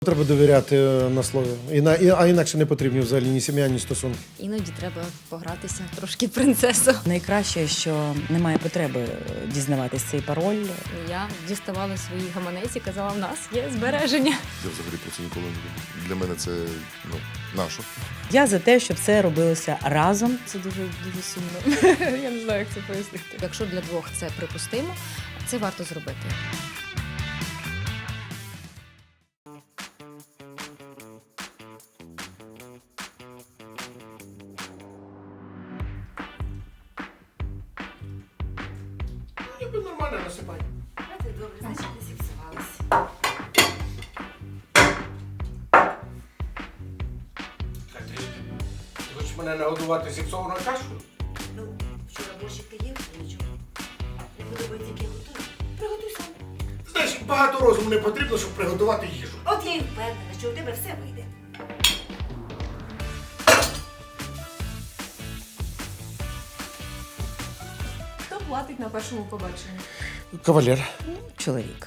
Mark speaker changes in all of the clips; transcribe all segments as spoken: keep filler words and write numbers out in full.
Speaker 1: Треба довіряти на слові, Іна- і- а інакше не потрібні взагалі ні сім'я, ні стосунки.
Speaker 2: Іноді треба погратися трошки принцесу.
Speaker 3: Найкраще, що немає потреби дізнаватись цей пароль.
Speaker 2: Я діставала свої гаманець і казала, в нас є збереження.
Speaker 4: Я взагалі про це ніколи не думав. Для мене це ну, наше.
Speaker 3: Я за те, щоб це робилося разом.
Speaker 2: Це дуже дуже сумно. Я не знаю, як це пояснити. Якщо для двох це припустимо, це варто зробити.
Speaker 1: Ніби нормально насипай.
Speaker 5: Це добре, значить не зіпсувалося.
Speaker 1: Ти хочеш мене нагодувати зіпсованою кашею?
Speaker 5: Ну, вчора борщик ти їв, нічого. Не подобається, як я готую. Приготуй сам.
Speaker 1: Знаєш, багато розуму не потрібно, щоб приготувати їжу.
Speaker 5: От я і впевнена, що у тебе все вийде.
Speaker 6: Хто платить на першому побаченні?
Speaker 1: Кавалер.
Speaker 3: Чоловік.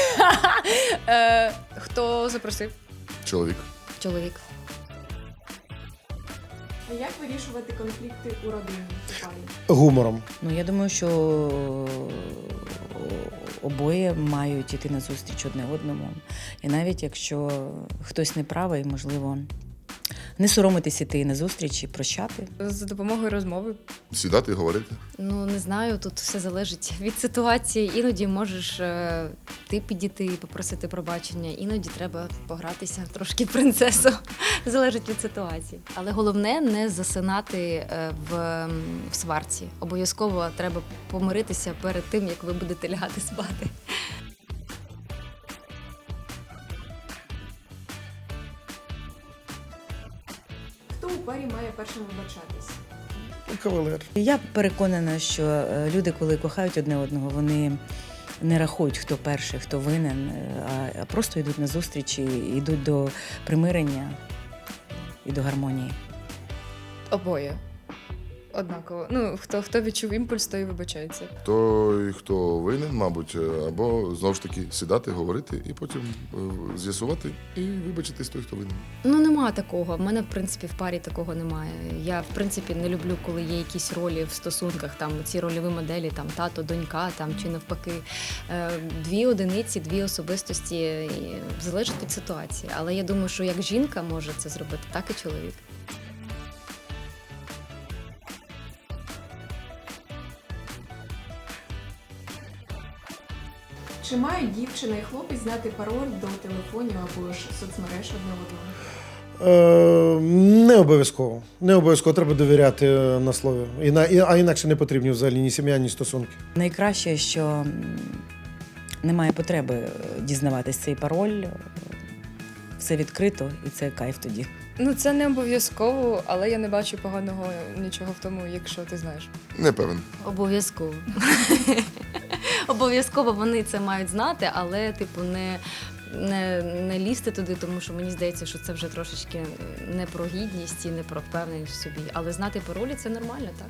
Speaker 6: Е, хто запросив?
Speaker 4: Чоловік.
Speaker 2: Чоловік.
Speaker 6: А як вирішувати конфлікти у родині у парі?
Speaker 1: Гумором.
Speaker 3: Ну, я думаю, що обоє мають іти на зустріч одне одному. І навіть якщо хтось не правий, можливо, не соромитись іти на зустріч і прощати.
Speaker 6: За допомогою розмови.
Speaker 4: Сідати і говорити.
Speaker 2: Ну, не знаю, тут все залежить від ситуації. Іноді можеш е, ти підійти і попросити пробачення, іноді треба погратися трошки принцесу. Залежить від ситуації. Але головне не засинати е, в, м, в сварці. Обов'язково треба помиритися перед тим, як ви будете лягати спати.
Speaker 6: Хто у парі має першим вибачатись?
Speaker 1: Кавалер.
Speaker 3: Я переконана, що е, люди, коли кохають одне одного, вони не рахують, хто перший, хто винен, е, а просто йдуть на зустріч і йдуть до примирення і до гармонії.
Speaker 6: Обоє. Однаково. Ну, хто, хто відчув імпульс, той і вибачається.
Speaker 4: Той, хто винен, мабуть, або знову ж таки сідати, говорити і потім е, з'ясувати і вибачитись той, хто винен.
Speaker 2: Ну, нема такого. В мене, в принципі, в парі такого немає. Я, в принципі, не люблю, коли є якісь ролі в стосунках, там ці рольові моделі, там тато, донька, там чи навпаки. Е, Дві одиниці, дві особистості, і залежить від ситуації. Але я думаю, що як жінка може це зробити, так і чоловік.
Speaker 6: Чи мають дівчина і хлопець знати пароль до телефонів або ж соцмереж одне одного?
Speaker 1: Е, не обов'язково. Не обов'язково треба довіряти на слові, Іна- і- а інакше не потрібні взагалі ні сім'я, ні стосунки.
Speaker 3: Найкраще, що м, немає потреби дізнаватись цей пароль. Все відкрито, і це кайф тоді.
Speaker 6: Ну, це не обов'язково, але я не бачу поганого нічого в тому, якщо ти знаєш.
Speaker 4: Не певен.
Speaker 2: Обов'язково. Обов'язково вони це мають знати, але, типу, не, не, не лізти туди, тому що мені здається, що це вже трошечки не про гідність і не про впевненість в собі. Але знати паролі – це нормально, так?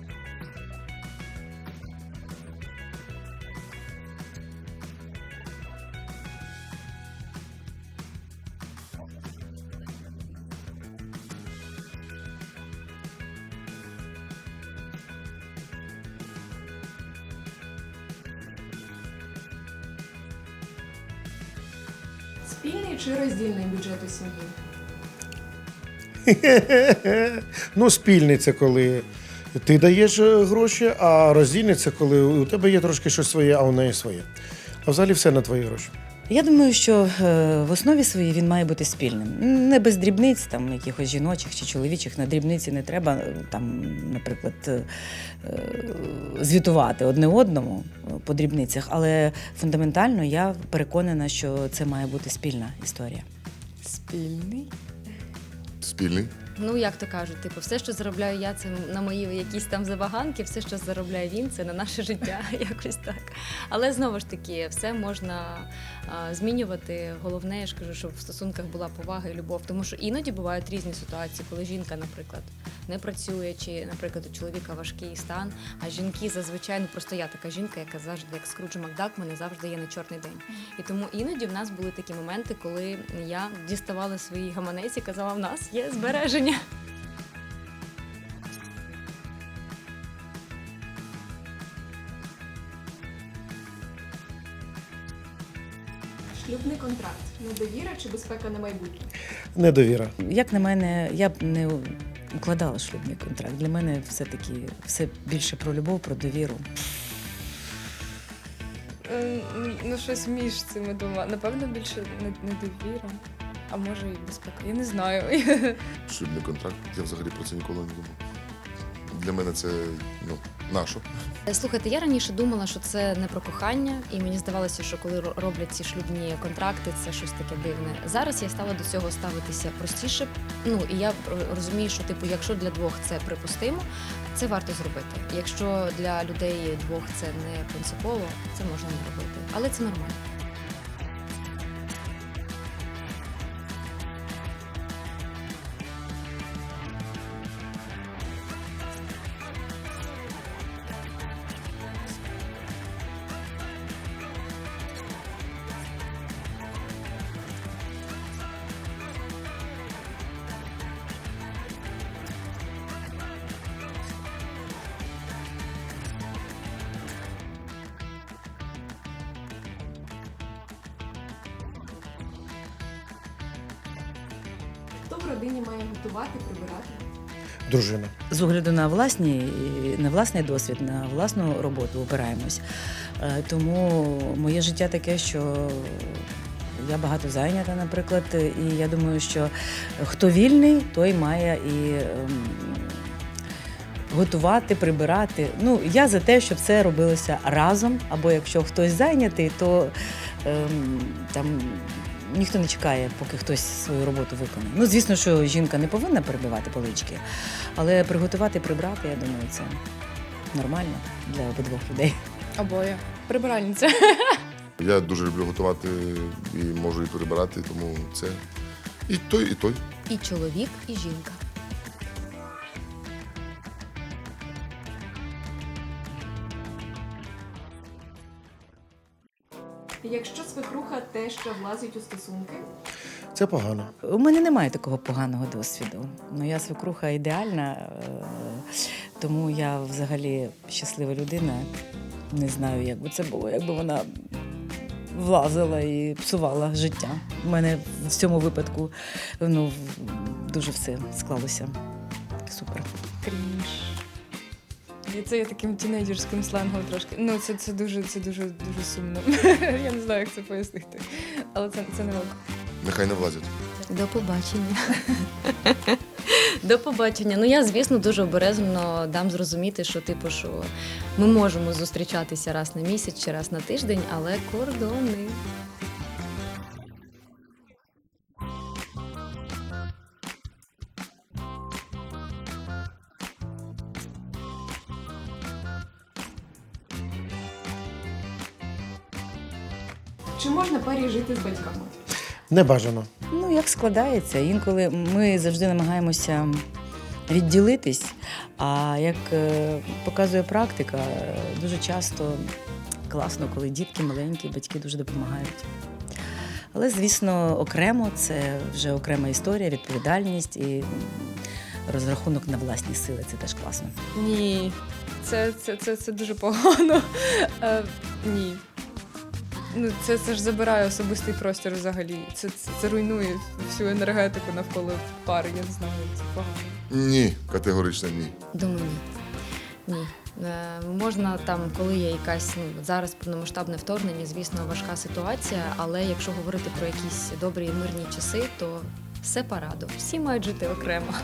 Speaker 6: Спільний чи роздільний бюджет у сім'ї?
Speaker 1: Ну, спільний це коли ти даєш е, гроші, а роздільний це коли у тебе є трошки щось своє, а у неї своє. А взагалі все на твої гроші.
Speaker 3: Я думаю, що е, в основі своїй він має бути спільним. Не без дрібниць, там якихось жіночих чи чоловічих. На дрібниці не треба е, там, наприклад, е, е, звітувати одне одному по дрібницях, але фундаментально я переконана, що це має бути спільна історія.
Speaker 6: Спільний.
Speaker 4: Спільний.
Speaker 2: Ну, як то кажуть, типу, все, що заробляю я, це на мої якісь там забаганки, все, що заробляє він, це на наше життя, якось так. Але знову ж таки, все можна а, змінювати. Головне, я ж кажу, щоб в стосунках була повага і любов. Тому що іноді бувають різні ситуації, коли жінка, наприклад, не працює, чи, наприклад, у чоловіка важкий стан, а жінки зазвичай, ну просто я така жінка, яка завжди, як Скруджа Макдак, в мене завжди є на чорний день. І тому іноді в нас були такі моменти, коли я діставала свої гаманець і казала, в нас є збереження.
Speaker 6: Шлюбний контракт. Недовіра чи безпека на майбутнє?
Speaker 1: Недовіра.
Speaker 3: Як на мене, я б не укладала шлюбний контракт. Для мене все-таки все більше про любов, про довіру.
Speaker 7: Е, Ну, щось між цими двома. Напевно, більше не- недовіра, а може і безпека. Я не знаю.
Speaker 4: Шлюбний контракт, я взагалі про це ніколи не думав. Для мене це ну, наше.
Speaker 2: Слухайте, я раніше думала, що це не про кохання, і мені здавалося, що коли ро- роблять ці шлюбні контракти, це щось таке дивне. Зараз я стала до цього ставитися простіше. Ну і я ро- розумію, що типу, якщо для двох це припустимо, це варто зробити. Якщо для людей двох це не принципово, це можна не робити. Але це нормально.
Speaker 6: Хто в родині має готувати, прибирати?
Speaker 1: Дружина.
Speaker 3: З огляду на власні, на власний досвід, на власну роботу опираємось. Е, Тому моє життя таке, що я багато зайнята, наприклад, і я думаю, що хто вільний, той має і ем, готувати, прибирати. Ну, я за те, щоб це робилося разом, або якщо хтось зайнятий, то ем, там ніхто не чекає, поки хтось свою роботу виконає. Ну, звісно, що жінка не повинна перебивати полички, але приготувати, прибрати, я думаю, це нормально для обидвох людей.
Speaker 7: Обоє. Прибиральниця.
Speaker 4: Я дуже люблю готувати і можу і перебирати, тому це і той, і той.
Speaker 2: І чоловік, і жінка.
Speaker 6: Якщо свекруха теж влазить у стосунки,
Speaker 1: Це погано.
Speaker 3: У мене немає такого поганого досвіду. Моя свекруха ідеальна, е, тому я взагалі щаслива людина. Не знаю, як би це було, якби вона влазила і псувала життя. У мене в цьому випадку ну, дуже все склалося супер.
Speaker 7: Крінж. І це я таким тінейджерським сленгом трошки. Ну, це, це дуже, це дуже, дуже сумно. Я не знаю, як це пояснити. Але це, це не ок.
Speaker 4: Нехай не влазять.
Speaker 2: До побачення. До побачення. Ну я, звісно, дуже обережно дам зрозуміти, що типу, що ми можемо зустрічатися раз на місяць чи раз на тиждень, але кордони.
Speaker 6: чи можна парі жити з батьками?
Speaker 1: Не бажано.
Speaker 3: Ну, як складається. Інколи ми завжди намагаємося відділитись, а як е, показує практика, е, дуже часто класно, коли дітки маленькі, батьки дуже допомагають. Але, звісно, окремо це вже окрема історія, відповідальність і м, розрахунок на власні сили. Це теж класно.
Speaker 7: Ні. Це, це, це, це дуже погано. Е, ні. Ну, це, це ж забирає особистий простір взагалі. Це, це, це руйнує всю енергетику навколо пари. Я не знаю, це погано.
Speaker 4: Ні, категорично ні.
Speaker 2: Думаю, ні. Ні. Е, можна там, коли є якась ну, зараз повномасштабне вторгнення, звісно, важка ситуація, але якщо говорити про якісь добрі і мирні часи, то все парадо. Всі мають жити окремо.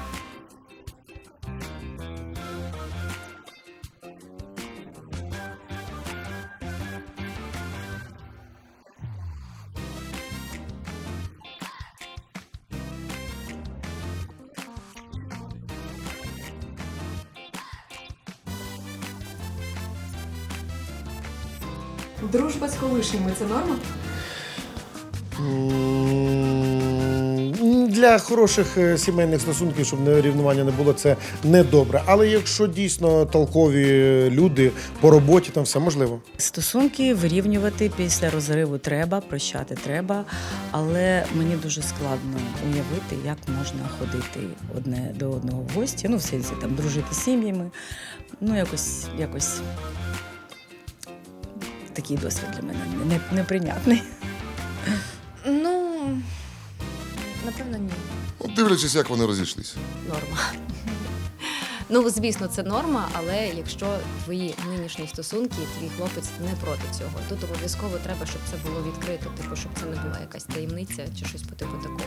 Speaker 6: Дружба з колишніми це норма?
Speaker 1: М, Для хороших е, сімейних стосунків, щоб не- рівнування не було, це не добре. Але якщо дійсно толкові люди по роботі, там все можливо.
Speaker 3: Стосунки вирівнювати після розриву треба, прощати треба, але мені дуже складно уявити, як можна ходити одне до одного в гості, ну, в сенсі там дружити з сім'ями. Ну, якось, якось такий досвід для мене не- неприйнятний.
Speaker 7: Ну, напевно, ні.
Speaker 4: От дивлячись, як вони розійшлися.
Speaker 2: Норма. Ну, звісно, це норма, але якщо твої нинішні стосунки, твій хлопець не проти цього, тут обов'язково треба, щоб це було відкрито, типу, щоб це не була якась таємниця чи щось по типу такого.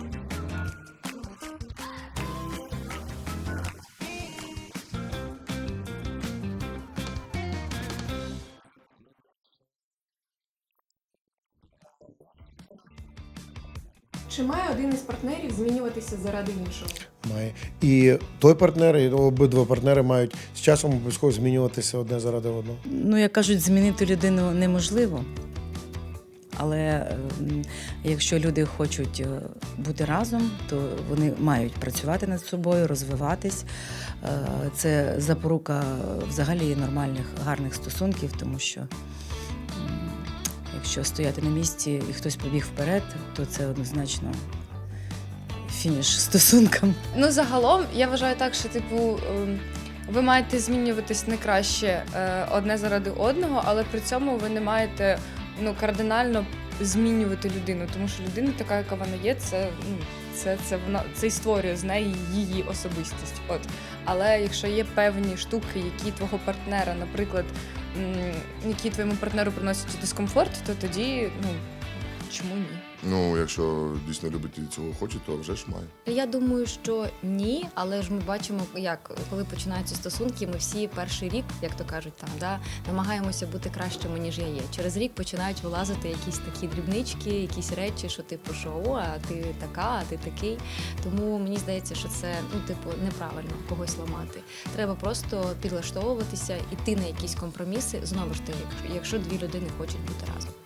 Speaker 6: Чи має один із партнерів змінюватися заради іншого?
Speaker 1: Має. І той партнер, і обидва партнери мають з часом обов'язково змінюватися одне заради одного.
Speaker 3: Ну, як кажуть, змінити людину неможливо. Але ем, якщо люди хочуть е, бути разом, то вони мають працювати над собою, розвиватись. Е, Це запорука взагалі нормальних, гарних стосунків, тому що м, якщо стояти на місці і хтось побіг вперед, то це однозначно фініш стосункам.
Speaker 7: Ну, загалом, я вважаю так, що, типу, ем, ви маєте змінюватись не краще е, одне заради одного, але при цьому ви не маєте ну, кардинально змінювати людину, тому що людина така, яка вона є, це, ну, це, це, вона, це і створює з неї її особистість. От. Але якщо є певні штуки, які твого партнера, наприклад, м, які твоєму партнеру приносять дискомфорт, то тоді, ну, чому ні?
Speaker 4: Ну, якщо дійсно любить і цього хоче, то вже ж має.
Speaker 2: Я думаю, що ні, але ж ми бачимо, як коли починаються стосунки, ми всі перший рік, як то кажуть, там да намагаємося бути кращими, ніж я є. Через рік починають вилазити якісь такі дрібнички, якісь речі, що типу, що о, а ти така, а ти такий. Тому мені здається, що це ну, типу, неправильно когось ламати. Треба просто підлаштовуватися, іти на якісь компроміси. Знову ж таки, якщо- якщо дві людини хочуть бути разом.